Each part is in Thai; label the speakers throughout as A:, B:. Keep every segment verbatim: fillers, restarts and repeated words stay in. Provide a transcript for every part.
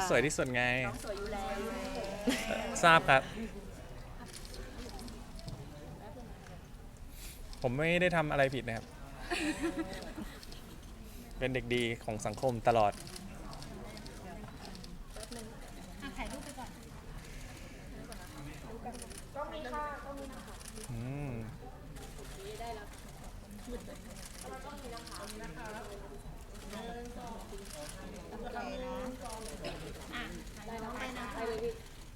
A: สวยที่สุดไง
B: น้องสวยอยู่แล้ว
A: ทราบครับ ผมไม่ได้ทำอะไรผิดนะครับ เป็นเด็กดีของสังคมตลอด
C: ถ่ายรูปไปก่อน
B: ก็มีค่ะก็มีนะคะ
A: อืม
B: ได้แล้วแล้วก็มีนะคะนะคะหนึ่งสองแล้วก็หนึ่งสองอ่ะได้แล้วไปนะไปเลยพี่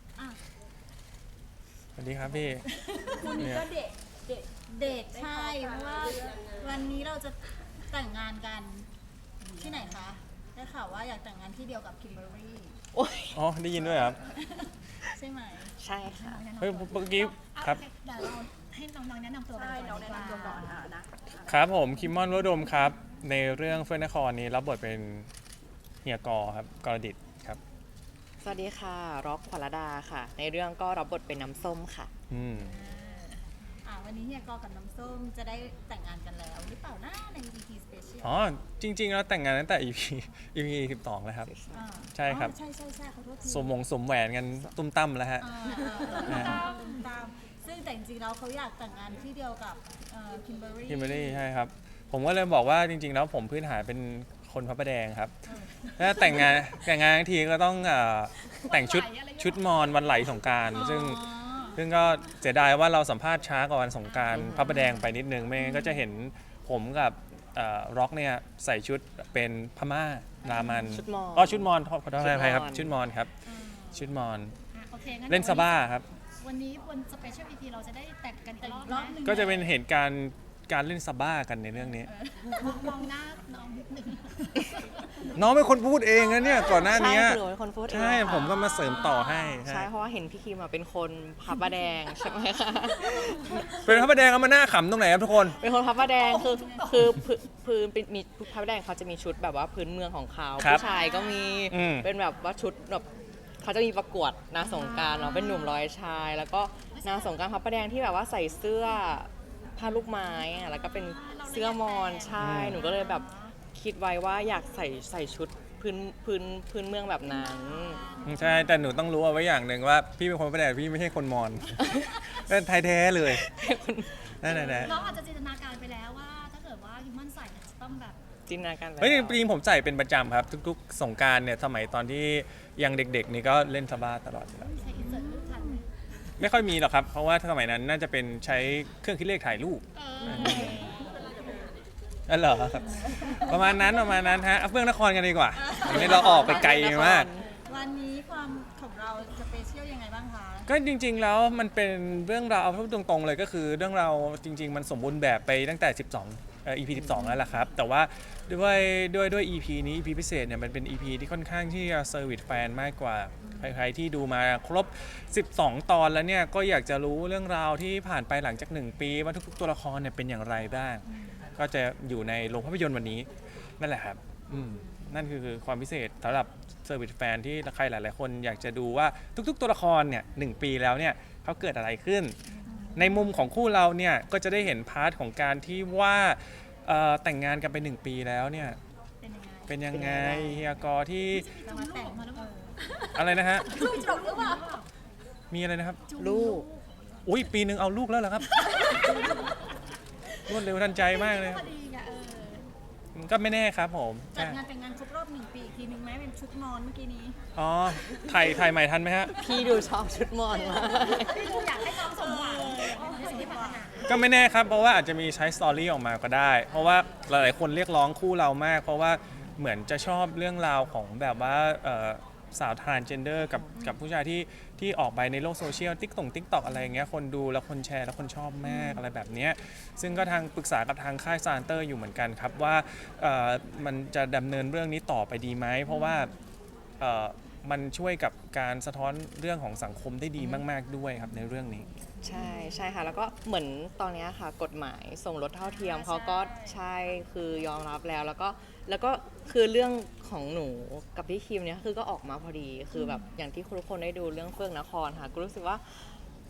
A: สวัสดีครับพี่
B: คู่นี้ก็เด็กเด็ก
C: เดทใช่เพราะว่าวันนี้เราจะแต่งงานกันที่ไหนคะได้ข่าวว่าอยากแต่งงานที่เดียวกับคิมเบอร์รี่
D: โอ้ย
A: อ๋อ ได้ยินด้วยครับ
C: ใช่ไหม
D: ใช่ค่ะ
A: เฮ้ยเมื่อกี้ครับ
C: เดี๋ยวเราให้น้องๆแนะนำตัวกั
B: ใช่
C: น
B: น้
C: ก่
B: อ
C: อง น
B: แนะ
C: ดีกว่าน
B: ำตัวก่อนอ่ะนะ
A: ครับผมคิมมอนวดมครับ ในเรื่องเฟื่องนครนี้รับบทเป็นเฮียกอครับกรดิตครับ
D: สวัสดีค่ะร็อกขวัญรดาค่ะ ในเรื่องก็รับบทเป็นน้ำส้มค่ะ
A: อืม
C: อ่าวันนี้เฮียกอกับน้ำส้มจะได้แต่งงานกันแล้วหรือเปล่านะใน อี พี Special
A: อ๋อ จริงๆแล้วแต่งงานตั้งแต่ อี พี อี พี สิบสองแล้วครับ
C: อ่า
A: ใช่ครับ
C: อ๋อใช่ใช่ใช่ขอโทษที
A: สมมงสมแหวนกันตุ้มตั้มแล้วฮะ
C: อ่าอ่าอ่าตามตามซึ่งแต่จริงๆแล้วเขาอยากแต่งงานที่เดียวกับคิมเบอร์รี่
A: คิมเบอรรี่ใช่ครับ ผมก็เลยบอกว่าจริงๆแล้วผมพื้นฐานเป็นคนพระประแดงครับ ถ้าแต่งงานแต่งงานทั้งทีก็ต้องเอ่อแต่งชุดชุดมอญวันไหลสงกรานต์ซึ่งซึ่งก็เสียดายว่าเราสัมภาษณ์ช้ากว่าวันสงกรานต์พระประแดงไปนิดนึงไม่งั้นก็จะเห็นผมกับร็อกเนี่ยใส่ชุดเป็นพม่ารามัน
D: ชุดมอญ
A: อ๋อชุดมอญขอขอโทษ
D: ชุดมอญ
A: อภัยครับชุดมอญครับชุดมอญ
C: อ่ะโอเคงั้น
A: เล่นซาบ้าครับ
C: วันนี้บนสเปเชียล อี พี เราจะได้แต่งกันอีกรอบหนึง
A: ก็จะเป็นเหตุการณ์การเล่นซาบ้ากันในเรื่องนี้
C: มองหน้าน้องนิดนึง
A: น้องเป็นคนพูดเองนะเนี่ยก่อนหน้า
D: ใช่
A: นี้
D: คือหนูเป็นคนพูดเอง
A: ใช่
D: ค่ะ
A: ผมก็มาเสริมต่อให้
D: ใช่เพราะว่าเห็นพี่คิมมาเป็นคนพับประแดงใช่ไหมคะ
A: เป็นพระประแดงเอามาหน้าขำตรงไหนครับทุกคน
D: เป็นคนพับประแดงคือคือพื้นพื้นเป็นมีพับประแดงเขาจะมีชุดแบบว่าพื้นเมืองของเขา
A: ครับ
D: ผู้ชายก็มี
A: อืม
D: เป็นแบบว่าชุดแบบเขาจะมีประกวดนางสงกรารเนาะเป็นหนุ่มร้อยชาย แล้วก็นางสงกรารพับประแดงที่แบบว่าใส่เสื้อผ้าลูกไม้อะแล้วก็เป็นเสื้อมอนใช่หนูก็เลยแบบคิดไว้ว่าอยากใส่ใส่ชุดพื้นพื้นพื้นเมืองแบบนั้น
A: ใช่แต่หนูต้องรู้เอาไว้อย่างหนึ่งว่าพี่เป็นคนพระประแดงพี่ไม่ใช่คนมอญ เป็นไทยแท้เลยนั่นแหละ
C: น้องอาจจะจินตนาการไปแล้วว่าถ้าเกิดว่าฮิมมอนใส่เนี่ยจะต้องแบบ
D: จินตนาการ
A: เฮ้ยจริงๆผมใส่เป็นประจำครับ ทุกๆสงกรารเนี่ยสมัยตอนที่ยังเด็กๆนี่ก็เล่นซาบ้าตลอดอยู่แล้ว
C: ใช้อินเสิร์ตรูปทันไหม
A: ไม่ค่อยมีหรอกครับ เพราะว่าสมัยนั้นน่าจะเป็นใช้เครื่องคิดเลขถ่ายรูป
C: เออ
A: อ๋อเหรอครับประมาณนั้นประมาณนั้นฮะเอาเฟื่องนครกันดีกว่าอันนี้เราออกไปไกลมาก
C: วันนี้ความของเราสเปเชียลยังไงบ้างคะ
A: ก็จริงๆแล้วมันเป็นเรื่องราวเอาพูดตรงๆเลยก็คือเรื่องราวจริง ๆ มันสมบูรณ์แบบไปตั้งแต่ สิบสองเอ่อ อี พี สิบสองแล้วล่ะครับ แต่ว่าด้วยด้วยด้วย อี พี นี้ อี พี พิเศษเนี่ยมันเป็น อี พี ที่ค่อนข้างที่จะเซอร์วิสแฟนมากกว่าใครๆที่ดูมาครบ สิบสอง ตอนแล้วเนี่ยก็อยากจะรู้เรื่องราวที่ผ่านไปหลังจากหนึ่งปีว่าทุกๆตัวละครเนี่ยเป็นอย่างไรบ้าง ก็จะอยู่ในโรงภาพยนตร์วันนี้นั่นแหละครับอืมนั่นคือความพิเศษสำหรับเซอร์วิสแฟนที่ใครหลายๆคนอยากจะดูว่าทุกๆตัวละครเนี่ยหนึ่งปีแล้วเนี่ยเขาเกิดอะไรขึ้น ในมุมของคู่เราเนี่ยก็จะได้เห็นพาร์ทของการที่ว่าเอ่อแต่งงานกันไปหนึ่งปีแล้วเนี่ย
C: เป็นยังไง
A: เป็นยังไงเฮียกอที่
C: จะมาแต่งมาแล้วเปล่า
A: อะไรนะฮะ
B: ลูกจบหรือเปล่า
A: มีอะไรนะครับ
D: ลูก
A: อุ้ยปีหนึ่งเอาลูกแล้วเหรอครับ รวดเร็วทันใจมากเลย
C: พอดีไงเออ
A: ก็ไม่แน่ครับผม
C: จัด
A: ใช่
C: งานแต่งงานครบรอบหนึ่งปีอีกทีหนึ่งไหมเป็นชุดนอนเมื่อกี้นี้
A: อ๋อถ่ายถ่ายใหม่ทันไหมฮะ
D: พี่ดูชอบชุดมอนมาก
C: พี่ดูอยากให้น้องสมหวังในสิ่งที่ปรารถนา
A: ก็ไม่แน่ครับ เพราะว่าอาจจะมีใช้สตอรี่ออกมาก็ได้ เพราะว่าหลายๆคนเรียกร้องคู่เรามาก เพราะว่าเหมือนจะชอบเรื่องราวของแบบว่าเอ่อสาวทรานเจนเดอร์กับกับผู้ชายที่ที่ออกไปในโลกโซเชียลติ๊กต่งติ๊กตอกอะไรอย่างเงี้ยคนดูแล้วคนแชร์แล้วคนชอบมากอะไรแบบเนี้ยซึ่งก็ทางปรึกษากับทางค่ายซานเตอร์อยู่เหมือนกันครับว่าเอ่อมันจะดำเนินเรื่องนี้ต่อไปดีไหมเพราะว่าเอ่อมันช่วยกับการสะท้อนเรื่องของสังคมได้ดีมากๆด้วยครับในเรื่องนี้
D: ใช่ใช่ค่ะแล้วก็เหมือนตอนเนี้ยค่ะกฎหมายสมรสเท่าเทียมเขาก็ใช่คือยอมรับแล้วแล้วก็แล้วก็คือเรื่องของหนูกับพี่คิมเนี่ยคือก็ออกมาพอดีคือแบบอย่างที่ทุกคนได้ดูเรื่องเฟื่องนครค่ะก็รู้สึกว่า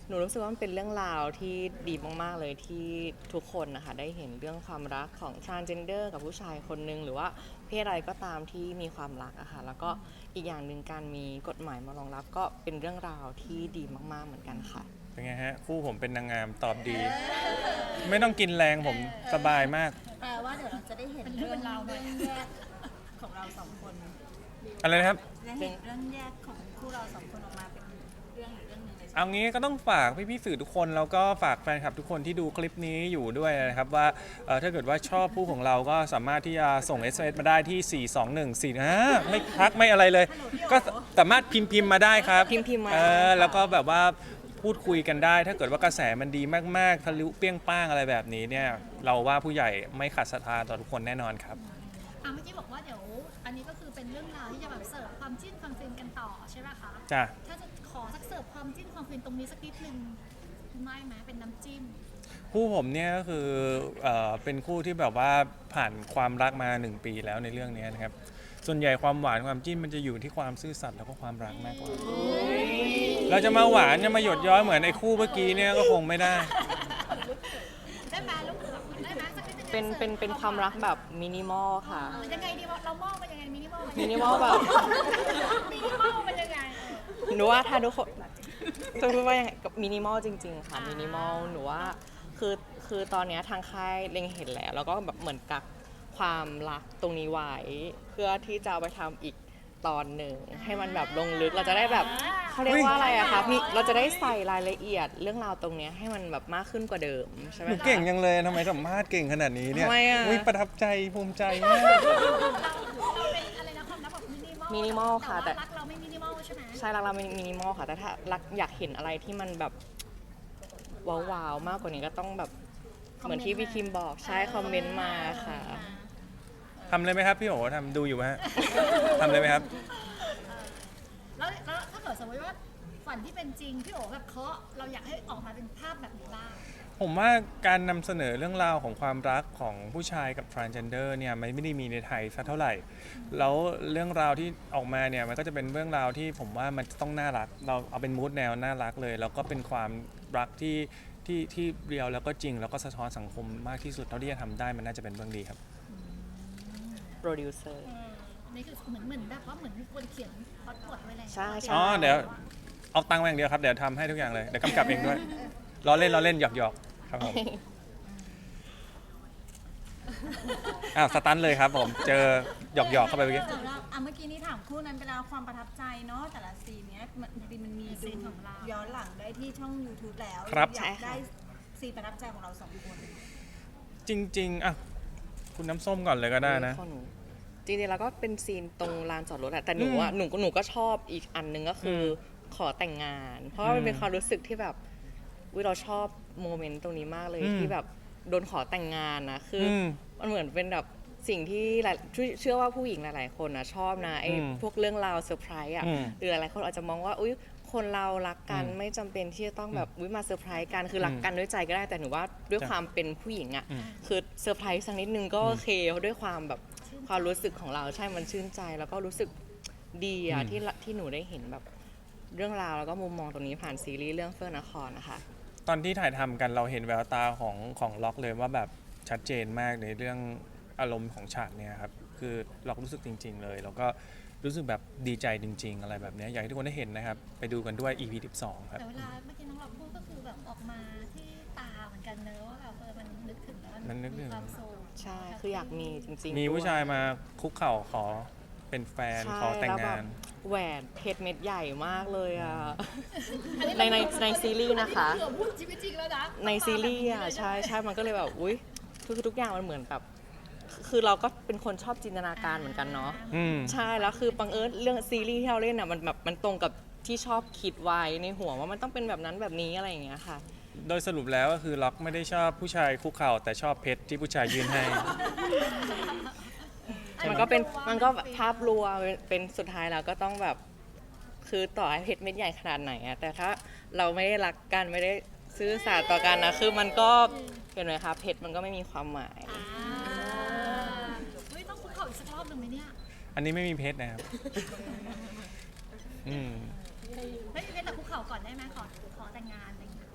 D: หนูรู้สึกว่ามันเป็นเรื่องราวที่ดีมากๆเลยที่ทุกคนนะคะได้เห็นเรื่องความรักของ transgender กับผู้ชายคนนึงหรือว่าเพศอะไรก็ตามที่มีความรักอะค่ะแล้วก็อีกอย่างหนึ่งการมีกฎหมายมารองรับก็เป็นเรื่องราวที่ดีมากๆเหมือนกันค่ะ
A: เป็นไงฮะคู่ผมเป็นนางงามตอบดี ไม่ต้องกินแรงผมสบายมาก
C: แปลว่าเดี๋ยวเราจะได้เห็นเรื่องราวแยกของเราสองคน
A: อะไรนะครับ
C: จะเห็นเรื่องแยกของคู่เราสองคนออกมาเป็นเรื่องอีกเรื่องหนึงเลย
A: เอางี้ก็ต้องฝากพี่ๆสื่อทุกคนแล้วก็ฝากแฟนคลับทุกคนที่ดูคลิปนี้อยู่ด้วยนะครับว่าเอ่อถ้าเกิดว่าชอบผู้ของเราก็สามารถที่จะส่ง เอส เอ็ม เอส มาได้ที่ สี่ สอง หนึ่ง สี่อ่าไม่ทักไม่อะไรเลย ก็สามารถพิมพ์พิมพ์มาได้ครับ
D: พิมพ์พิมพ์มา
A: เออ
D: ค่ะ
A: แล้วก็แบบว่าพูดคุยกันได้ ถ้าเกิดว่ากระแสมันดีมากๆทะลุเปรี้ยงป้างอะไรแบบนี้เนี่ยเราว่าผู้ใหญ่ไม่ขัดศรัทธาต่อทุกคนแน่นอนครับ
B: อ่ะเมื่อกี้บอกว่าเดี๋ยวอันนี้ก็คือเป็นเรื่องราวที่จะแบบเสิร์ฟความจิ้นความฟินกันต่อใช่ไหมคะ
A: จ้ะ
B: ถ้าจะขอสักเสิร์ฟความจิ้นความฟินตรงนี้สักนิดนึงไม่ไหมเป็นน้ำจิ้ม
A: คู่ผมเนี่ยก็คือเอ่อเป็นคู่ที่แบบว่าผ่านความรักมาหนึ่งปีแล้วในเรื่องนี้นะครับ ส่วนใหญ่ความหวานความจิ้นมันจะอยู่ที่ความซื่อสัตย์แล้วก็ความรักมากกว่า เราจะมาหวานจะมาหยดย้อยเหมือนไอ้คู่เมื่อกี้เนี่ยก็คงไม่ได้
B: ได้ไหมลูกได้ไหมสักนิดนึง
D: เป็นเป็นเป็นความรักแบบมินิมอลค่ะ
B: เออยังไงดีวะเรามองมันยังไงมินิมอล
D: มินิมอลแบบ
B: มินิมอลมันยังไง
D: หนูว่าถ้าทุกคนจะพูดว่ายังไงกับมินิมอลจริง ๆ ค่ะมินิมอลหนูว่าคือคือตอนเนี้ยทางค่ายเล็งเห็นแล้วแล้วก็แบบเหมือนกับความรักตรงนี้ไว้เพื่อที่จะเอาไปทำอีกตอนหนึ่งให้มันแบบลงลึกเราจะได้แบบเขาเรียกว่าอะไรอะคะมีเราจะได้ใส่รายละเอียดเรื่องราวตรงเนี้ยให้มันแบบมากขึ้นกว่าเดิมใช่ไหม
A: หนู
D: คะ
A: เก่งยังเลยทำไมสัมภาษณ์เก่งขนาดนี้เนี่ย
D: ทำไมอะ
A: อุ๊ยประทับใจภูมิใจมาก
B: เราเป็นอะไรนะความรักแบบมินิมอล
D: มินิมอลค่ะแต่
B: แต่ว่ารักเราไม่มินิมอลใช่ไหม
D: ใช่รักเรามินิมอลค่ะแต่ถ้ารักอยากเห็นอะไรที่มันแบบว้าวๆมากกว่านี้ก็ต้องแบบเหมือนที่พี่คิมบอกใช่คอมเมนต์มาค่ะ
A: ทำเลยไหมครับพี่โอ๋ทำดูอยู่ไหมฮะ ทำเลยไหมครับ
B: แล้วแล้วถ้าเกิดสมมติว่าฝันที่เป็นจริงพี่โอ๋แบบเคาะเราอยากให้ออกมาเป็นภาพแบบนี้บ้าง
A: ผมว่าการนำเสนอเรื่องราวของความรักของผู้ชายกับ transgender เนี่ยมันไม่ได้มีในไทยสักเท่าไหร่ แล้วเรื่องราวที่ออกมาเนี่ยมันก็จะเป็นเรื่องราวที่ผมว่ามันต้องน่ารัก เราเอาเป็นมูดแนวน่ารักเลย แล้วก็เป็นความรักที่ที่ที่เรียวแล้วก็จริง แล้วก็สะท้อนสังคมมากที่สุดเท่าที่จะทำได้มันน่าจะเป็นเรื่องดีครับ
D: โปรดิวเซอร์
B: อันนี้คือเหมือนเหมือนแบบว่าเหมือนมีคนเขียนพล็อตบทไว้แล้ว
D: ใช่ใช่
A: อ๋อเดี๋ยวเอาตังค์มาอย่างเดียวครับเดี๋ยวทำให้ทุกอย่างเลยเดี๋ยวกำกับเองด้วยล้อเล่นล้อเล่นหยอกหยอกๆครับผมอ้าวสตันเลยครับผมเจอหยอกหยอกๆเข้าไปเมื่อกี้
C: สำหรับอ่ะเมื่อกี้นี้ถามคู่นั้นไปแล้วความประทับใจเนาะแต่ละซีนเนี้ยมันจริงๆมันมีดูย้อนหลังได้ที่ช่อง YouTube แล้ว
A: ครับ
C: อยากได้ซีนประทับใจของเราสองคน
A: จริงๆอ่ะคุณน้ำส้มก่อนเลยก็ได้นะ
D: ของหนูจริงๆแล้วก็เป็นซีนตรงลานจอดรถแหละแต่หนูอ่ะ
A: อืม
D: หนูก็หนูก็ชอบอีกอันหนึงก็คืออ
A: ม
D: ขอแต่งงาน เพราะว่ามันเป็น
A: อืม
D: ความรู้สึกที่แบบวิเราชอบโมเมนต์ตรงนี้มากเลย
A: อืม
D: ที่แบบโดนขอแต่งงานนะคืออ
A: ม
D: มันเหมือนเป็นแบบสิ่งที่หลายเชื่อว่าผู้หญิงหลายๆคนนะชอบนะไอ้
A: อืม
D: พวกเรื่องราวเซอร์ไพรส์อ่ะ
A: อืม
D: หรือหลายๆคนอาจจะมองว่าอุ้ยคนเรารักกัน
A: อืม
D: ไม่จำเป็นที่จะต้องแบบอุ้ยมาเซอร์ไพรส์กันคือรัก
A: อืม
D: กันด้วยใจก็ได้แต่หนูว่าด้วย
A: จ้ะ
D: ความเป็นผู้หญิงอ่ะ
A: อืม
D: คือเซอร์ไพรส์สักนิดนึงก็โอเคเพราะด้วยความแบบความรู้สึกของเราใช่มันชื่นใจ แล้วก็รู้สึกดีอะ
A: อืม
D: ที่ละที่หนูได้เห็นแบบเรื่องราวแล้วก็มุมมองตรงนี้ผ่านซีรีส์เรื่องเฟื่องนครนะคะ
A: ตอนที่ถ่ายทำกันเราเห็นแววตาของของล็อกเลยว่าแบบชัดเจนมากในเรื่องอารมณ์ของฉากเนี่ยครับคือล็อกรู้สึกจริง ๆ เลย แล้วก็รู้สึกแบบดีใจจริง ๆ อะไรแบบเนี้ยอยากให้ทุกคนได้เห็นนะครับ ไปดูกันด้วย อี พี สิบสองครับ
B: แต่เวลาเมื่อกี้น้องเราพูดก็คือแบบออกมาที่ตาเหมือนกันเนอะว่าแบบเออมันนึกถึงแล้ว
A: มันนึกถึง
B: มีความสุข
D: ใช่คืออยากมีจริงๆ
A: มีผู้
D: ด้วย
A: ชายมาคุกเข่าขอเป็นแฟน
D: ใช่
A: ขอแต่ง
D: ล้วบบ
A: งาน
D: แหวนเพชรเม็ดใหญ่มากเลยอ่ะในในในซีรีส์นะคะ
B: เผื่อพูดชีวิตจริงแล้วนะ
D: ในซีรีส์อ่ะใช่ใช่มันก็เลยแบบอุ้ยคือคือทุกอย่างมันเหมือนแบบคือเราก็เป็นคนชอบจินตนาการเหมือนกันเนาะ
A: อืม
D: ใช่แล้วคือบังเอิญเรื่องซีรีส์ที่เราเล่นอ่ะมันแบบมันตรงกับที่ชอบคิดไว้ในหัวว่ามันต้องเป็นแบบนั้นแบบนี้อะไรอย่างเงี้ยค่ะ
A: โดยสรุปแล้วก็คือล็อกไม่ได้ชอบผู้ชายคุกเข่าแต่ชอบเพชรที่ผู้ชายยื่นให้
D: มันก็เป็นมันก็แบบภาพรวมเป็นเป็นสุดท้ายแล้วก็ต้องแบบคือต่อให้เพชรเม็ดใหญ่ขนาดไหนอะแต่ถ้าเราไม่ได้รักกันไม่ได้ซื่อสัตย์ต่อกันนะคือมันก็เห็นไหมคะเพชรมันก็ไม่มีความหมาย
B: อ่าเฮ้ยต้องคุกเข่าอีกสักรอบหนึ่งไหมเนี่ย
A: อันนี้ไม่มีเพชรนะครับ อืม
B: เฮ้ยเพชรแต่คุกเข่าก่อนได้ไหมขอขอแต่งงานอะไรอย่างเงี้ย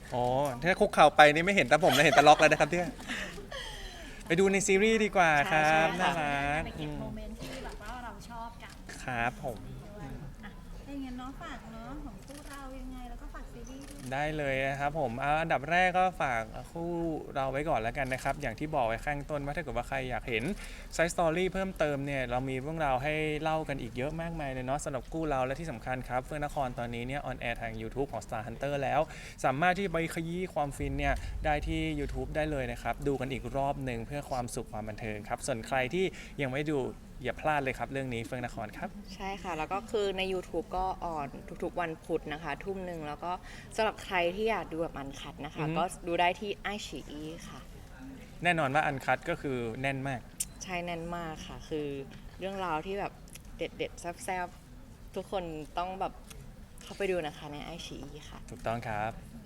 A: อ๋อถ้าคุกเข่าไปนี่ไม่เห็นแต่ผมนะเห็นแต่ล็อกแล้วนะครับเนี่ยไปดูในซีรีส์ดีกว่าครับ
D: ใช่
A: น่า
D: ค่ะ
A: รัก
C: ไป
A: อื
C: เก็บ
A: ม
C: โมเมนต์ที่แบบว่าเราชอบกัน
A: ครับผม
C: อ่ะถ้าอย่างนั้นเน้องฝากเนาะของคู่เรายังไงแล้วก็ฝากซีรีส์ด้วย
A: ได้เลยนะครับผมเอาอันดับแรกก็ฝากคู่เราไว้ก่อนแล้วกันนะครับ อย่างที่บอกไว้ข้างต้นว่าถ้าเกิดว่าใครอยากเห็นไซส์สตอรี่เพิ่มเติมเนี่ยเรามีเรื่องราวให้เล่ากันอีกเยอะมากมายเลยเนาะสำหรับคู่เราและที่สำคัญครับเฟื่องนครตอนนี้เนี่ยออนแอร์ทาง YouTube ของ Star Hunter แล้ว สามารถที่ไปขยี้ความฟินเนี่ยได้ที่ YouTube ได้เลยนะครับ ดูกันอีกรอบหนึ่งเพื่อความสุขความบันเทิงครับ ส่วนใครที่ยังไม่ดูอย่าพลาดเลยครับเรื่องนี้เฟื่องนครครับ
D: ใช่ค่ะ แล้วก็คือใน YouTube ก็ออนทุกๆวันพุธนะคะ ทุ่มหนึ่งแล้วก็สำหรับใครที่อยากดูแบบอันคัดนะคะ
A: อือฮึ
D: ก็ดูได้ที่ไอชีอีค่ะ
A: แน่นอนว่าอันคัดก็คือแน่นมาก
D: ใช่แน่นมากค่ะ คือเรื่องราวที่แบบเด็ดๆแซ่บๆ ทุกคนต้องแบบเข้าไปดูนะคะในไอชีอีค่ะ
A: ถูกต้องครับ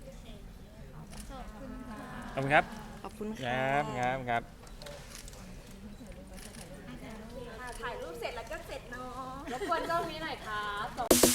C: ขอบคุณค่ะ
A: ขอบคุณครับ
D: ขอบคุณ
A: ค
D: ค่ะ
A: รับครับครับ
B: ถ่ายรูปเสร็จแล้วก็เสร็จเนาะรบกวนกล้องนี้หน่อยครับ